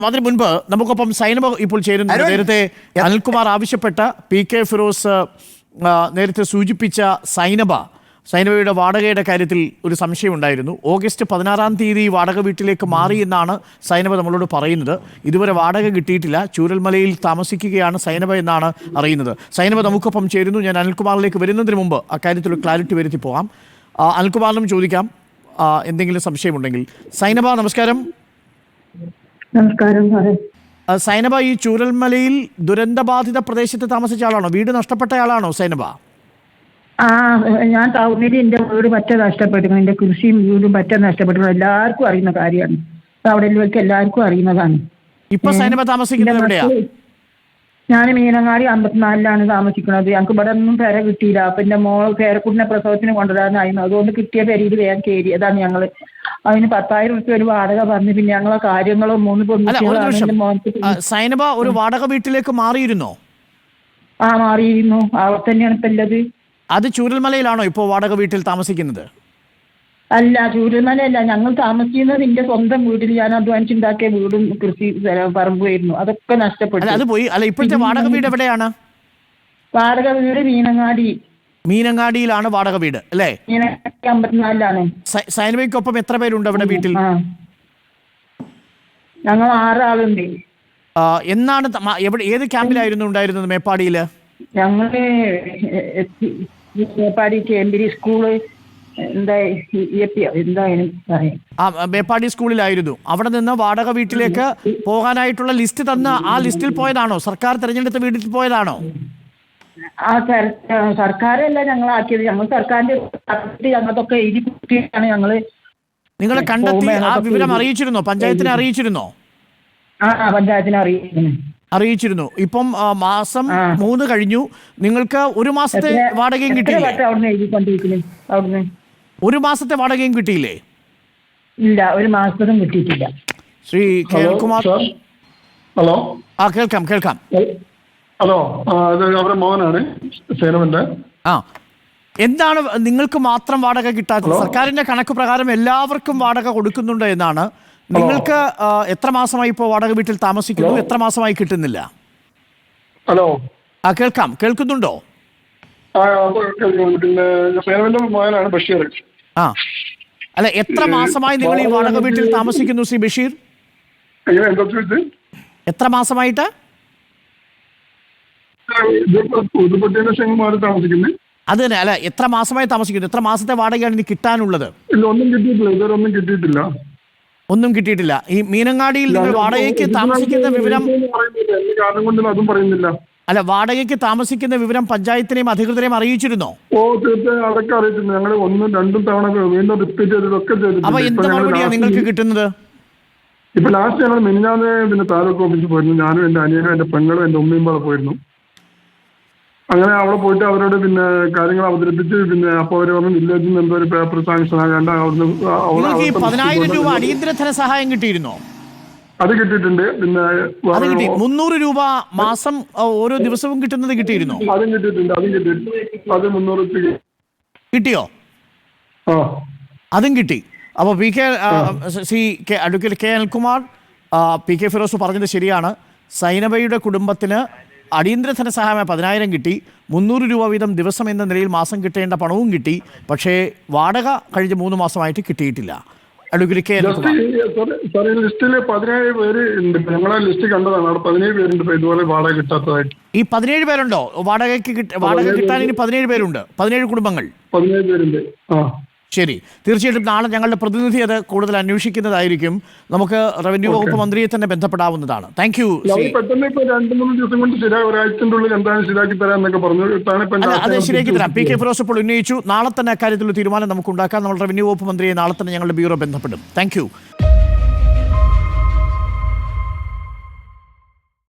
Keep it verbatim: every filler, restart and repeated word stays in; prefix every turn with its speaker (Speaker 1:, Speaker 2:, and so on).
Speaker 1: അതിന് മുൻപ് നമുക്കൊപ്പം സൈനബ ഇപ്പോൾ ചേരുന്നു. നേരത്തെ അനിൽകുമാർ ആവശ്യപ്പെട്ട പി കെ ഫിറോസ് നേരത്തെ സൂചിപ്പിച്ച സൈനബ സൈനബയുടെ വാടകയുടെ കാര്യത്തിൽ ഒരു സംശയമുണ്ടായിരുന്നു. ഓഗസ്റ്റ് പതിനാറാം തീയതി വാടക വീട്ടിലേക്ക് മാറി എന്നാണ് സൈനബ നമ്മളോട് പറയുന്നത്. ഇതുവരെ വാടക കിട്ടിയിട്ടില്ല. ചൂരൽമലയിൽ താമസിക്കുകയാണ് സൈനബ എന്നാണ് അറിയുന്നത്. സൈനബ നമുക്കൊപ്പം ചേരുന്നു. ഞാൻ അനിൽകുമാറിലേക്ക് വരുന്നതിന് മുമ്പ് അക്കാര്യത്തിൽ ക്ലാരിറ്റി വരുത്തി പോകാം. അനിൽകുമാറിനും ചോദിക്കാം എന്തെങ്കിലും സംശയമുണ്ടെങ്കിൽ. സൈനബ നമസ്കാരം.
Speaker 2: നമസ്കാരം.
Speaker 1: സൈനബ, ഈ ചൂരൽമലയിൽ ദുരന്തബാധിത പ്രദേശത്ത് താമസിച്ച ആളാണോ? വീട് നഷ്ടപ്പെട്ട ആളാണോ സൈനബ?
Speaker 2: ആ, ഞാൻ ടൗണിൽ എന്റെ വീട് പറ്റ നഷ്ടപ്പെട്ടു. എന്റെ കൃഷിയും വീടും പറ്റ നഷ്ടപ്പെട്ടു. എല്ലാവർക്കും അറിയുന്ന കാര്യമാണ്. അവിടെയൊക്കെ എല്ലാവർക്കും അറിയുന്നതാണ്.
Speaker 1: ഇപ്പൊ സൈനബ താമസിക്കുന്നത് എവിടെയാ?
Speaker 2: ഞാൻ മീനങ്ങാടി അമ്പത്തിനാലിലാണ് താമസിക്കുന്നത്. ഞങ്ങൾക്ക് ഇവിടെ ഒന്നും പേര കിട്ടിയില്ല. അപ്പൊ എന്റെ മോൾ പേരക്കുട്ടിനെ പ്രസവത്തിന് കൊണ്ടുവരാനായിരുന്നു. അതുകൊണ്ട് കിട്ടിയ പേരിൽ വേഗം കയറി. അതാണ് ഞങ്ങള്. അതിന് പത്തായിരം റുപ്യ ഒരു വാടക പറഞ്ഞു. പിന്നെ ഞങ്ങളെ കാര്യങ്ങളും മൂന്ന് പെൺകുട്ടികളാണ്.
Speaker 1: സൈനബ ഒരു വാടക വീട്ടിലേക്ക് മാറിയിരുന്നോ?
Speaker 2: ആ, മാറിയിരുന്നു. അവിടെ തന്നെയാണ് ഇപ്പൊ ഉള്ളത്.
Speaker 1: അത് ചൂരൽമലയിലാണോ ഇപ്പോൾ വാടക വീട്ടിൽ താമസിക്കുന്നത്?
Speaker 2: അല്ല, ചൂരൽമലയല്ല. ഞങ്ങൾ താമസിക്കുന്നത് എന്റെ സ്വന്തം വീട്ടിൽ. ഞാൻ അധ്വാനിച്ചുണ്ടാക്കിയ വീടും കൃഷി പറമ്പുമായിരുന്നു. അതൊക്കെ നഷ്ടപ്പെട്ടു.
Speaker 1: അത് പോയി. അല്ല, ഇപ്പോഴത്തെ വാടക വീട് എവിടെയാണ്?
Speaker 2: വാടക വീട് മീനങ്ങാടി.
Speaker 1: മീനങ്ങാടിയിലാണ് വാടക വീട് അല്ലേ?
Speaker 2: മീനങ്ങാടി അമ്പത്തിനാലിലാണ്.
Speaker 1: സൈനബയ്ക്കൊപ്പം എത്ര പേരുണ്ട് അവിടെ വീട്ടിൽ?
Speaker 2: ഞങ്ങൾ ആറാളുണ്ട്.
Speaker 1: എന്നാണ് എവിടെ ഏത് ക്യാമ്പിലായിരുന്നു ഉണ്ടായിരുന്നത്? മേപ്പാടിയില്
Speaker 2: ഞങ്ങള് മേപ്പാടി കേമ്പിരി സ്കൂള് എന്താ എന്താ
Speaker 1: ആ മേപ്പാടി സ്കൂളിലായിരുന്നു. അവിടെ നിന്ന് വാടക വീട്ടിലേക്ക് പോകാനായിട്ടുള്ള ലിസ്റ്റ് തന്ന് ആ ലിസ്റ്റിൽ പോയതാണോ? സർക്കാർ തെരഞ്ഞെടുത്ത വീട്ടിൽ പോയതാണോ?
Speaker 2: ആ, സർക്കാരല്ല ഞങ്ങളാക്കിയത്. ഞങ്ങൾ സർക്കാരിന്റെ ഞങ്ങൾക്കൊക്കെ എഴുതി കുട്ടിയാണ് ഞങ്ങള്.
Speaker 1: നിങ്ങളെ കണ്ടെത്തി ആ വിവരം അറിയിച്ചിരുന്നോ? പഞ്ചായത്തിനെ അറിയിച്ചിരുന്നോ?
Speaker 2: ആ, പഞ്ചായത്തിനെ അറിയിക്കുന്നു
Speaker 1: അറിയിച്ചിരുന്നു. ഇപ്പം മാസം മൂന്ന് കഴിഞ്ഞു. നിങ്ങൾക്ക് ഒരു മാസത്തെ വാടകയും കിട്ടിയില്ലേ? ഒരു മാസത്തെ വാടകയും കിട്ടിയില്ലേ?
Speaker 2: ഇല്ല, ഒരു മാസത്തും കിട്ടിയിട്ടില്ല.
Speaker 1: ശ്രീ കേൾക്കുമാർ.
Speaker 3: ഹലോ.
Speaker 1: ആ, കേൾക്കാം കേൾക്കാം.
Speaker 3: ഹലോ, അവരുടെ മോഹനാണ് സേനവന്റെ.
Speaker 1: ആ, എന്താണ് നിങ്ങൾക്ക് മാത്രം വാടക കിട്ടാത്തത്? സർക്കാരിന്റെ കണക്ക് പ്രകാരം എല്ലാവർക്കും വാടക കൊടുക്കുന്നുണ്ട് എന്നാണ്. നിങ്ങൾക്ക് എത്ര മാസമായി ഇപ്പോൾ വാടക വീട്ടിൽ താമസിക്കുന്നു? എത്ര മാസമായി കിട്ടുന്നില്ല?
Speaker 3: ഹലോ.
Speaker 1: ആ, കേൾക്കാം. കേൾക്കുന്നുണ്ടോ?
Speaker 3: പിന്നെ സേനവന്റെ മോഹനാണ് ബഷീർ.
Speaker 1: ആ, അല്ല, എത്ര മാസമായി നിങ്ങൾ ഈ വാടക വീട്ടിൽ താമസിക്കുന്നു ശ്രീ ബഷീർ? എത്ര മാസമായിട്ട്? അത് തന്നെ. അല്ല, എത്ര മാസമായി താമസിക്കുന്നു? എത്ര മാസത്തെ വാടകയാണ് ഇനി കിട്ടാനുള്ളത്?
Speaker 3: ഒന്നും കിട്ടിയിട്ടില്ല. ഇതുവരെ ഒന്നും കിട്ടിയിട്ടില്ല.
Speaker 1: ഒന്നും കിട്ടിയിട്ടില്ല. ഈ മീനങ്ങാടിയിൽ നിങ്ങൾ വാടകയ്ക്ക് താമസിക്കുന്ന വിവരം
Speaker 3: അതും പറയുന്നില്ല.
Speaker 1: അല്ല, വാടകയ്ക്ക് താമസിക്കുന്ന വിവരം പഞ്ചായത്തിനെയും അധികൃതരെയും അറിയിച്ചിരുന്നോ?
Speaker 3: ഓ, തീർച്ചയായും അതൊക്കെ അറിയിച്ചിരുന്നു. ഞങ്ങൾ ഒന്നും രണ്ടും തവണ വീണ്ടും റിപ്പീറ്റ് ചെയ്തതൊക്കെ ചെയ്തിട്ടുണ്ട്.
Speaker 1: അപ്പൊ എന്ത് മറുപടിയാണ് നിങ്ങൾക്ക് കിട്ടുന്നത്?
Speaker 3: ഇപ്പൊ ലാസ്റ്റ് ഞങ്ങൾ മിനിഞ്ഞാന്ന് പിന്നെ താലൂക്ക് ഓഫീസിൽ പോയിരുന്നു. ഞാനും എന്റെ അനിയനും എന്റെ പെങ്ങളും എന്റെ ഉമ്മയും പാടെ പോയിരുന്നു. അങ്ങനെ അവിടെ പോയിട്ട് അവരോട് പിന്നെ കാര്യങ്ങൾ അവതരിപ്പിച്ച് പിന്നെ അപ്പൊ അവര് പറഞ്ഞു വില്ലേജിൽ നിന്ന് എന്തോ ഒരു പേപ്പർ സാങ്ഷൻ ആകേണ്ട.
Speaker 1: പതിനായിരം രൂപ അടിയന്തര ധനസഹായം കിട്ടിയിരുന്നോ?
Speaker 3: അത് കിട്ടിയിട്ടുണ്ട്. പിന്നെ
Speaker 1: അത് കിട്ടി. മുന്നൂറ് രൂപ മാസം ഓരോ ദിവസവും കിട്ടുന്നത് കിട്ടിയിരുന്നോ?
Speaker 3: അതും കിട്ടിയിട്ടുണ്ട്. അതും കിട്ടിയിട്ടുണ്ട്. അത് മുന്നൂറ്
Speaker 1: കിട്ടിയോ?
Speaker 3: ആ, അതും
Speaker 1: കിട്ടി. അപ്പോൾ P K Sree K advocate K Anilkumar, P K Firoz പറഞ്ഞത് ശരിയാണ്. സൈനബയുടെ കുടുംബത്തിന് അടിയന്തര ധനസഹായമായി പതിനായിരം കിട്ടി. മുന്നൂറ് രൂപ വീതം ദിവസം എന്ന നിലയിൽ മാസം കിട്ടേണ്ട പണവും കിട്ടി. പക്ഷേ വാടക കഴിഞ്ഞ മൂന്ന് മാസമായിട്ട് കിട്ടിയിട്ടില്ല. അഡ്വക്കേറ്റ് കെ അനിൽകുമാർ,
Speaker 3: ലിസ്റ്റില് പതിനേഴ് പേര് ഉണ്ട്. ഞങ്ങളെ ലിസ്റ്റ് കണ്ടതാണ്. അവിടെ പതിനേഴ് പേരുണ്ട് ഇതുപോലെ വാടക കിട്ടാത്തതായിട്ട്.
Speaker 1: ഈ പതിനേഴ് പേരുണ്ടോ വാടകയ്ക്ക്? വാടക കിട്ടാൻ ഇനി പതിനേഴ് പേരുണ്ട്. പതിനേഴ് കുടുംബങ്ങൾ.
Speaker 3: പതിനേഴ് പേരുണ്ട്. ആ,
Speaker 1: ശരി. തീർച്ചയായിട്ടും നാളെ ഞങ്ങളുടെ പ്രതിനിധി അത് കൂടുതൽ അന്വേഷിക്കുന്നതായിരിക്കും. നമുക്ക് റവന്യൂ വകുപ്പ് മന്ത്രിയെ തന്നെ ബന്ധപ്പെടാവുന്നതാണ്. Thank you.
Speaker 3: പെട്ടെന്ന് ഇപ്പൊ രണ്ട് മൂന്ന് ദിവസം കൊണ്ട് ശരിയായി ഒരാഴ്ചൻ്റെ ഉള്ളിൽ എന്താണ് ശരിയാക്കി തരാന്നൊക്കെ പറഞ്ഞു.
Speaker 1: അത് ശരിയാക്കി തരാം. പി കെ ഫിറോസ് ഇപ്പോൾ ഉന്നയിച്ചു. നാളെ തന്നെ അക്കാര്യത്തിലുള്ള തീരുമാനം നമുക്ക് ഉണ്ടാക്കാം. നമ്മൾ റവന്യൂ വകുപ്പ് മന്ത്രിയെ നാളെ തന്നെ ഞങ്ങളുടെ ബ്യൂറോ ബന്ധപ്പെടും. Thank U.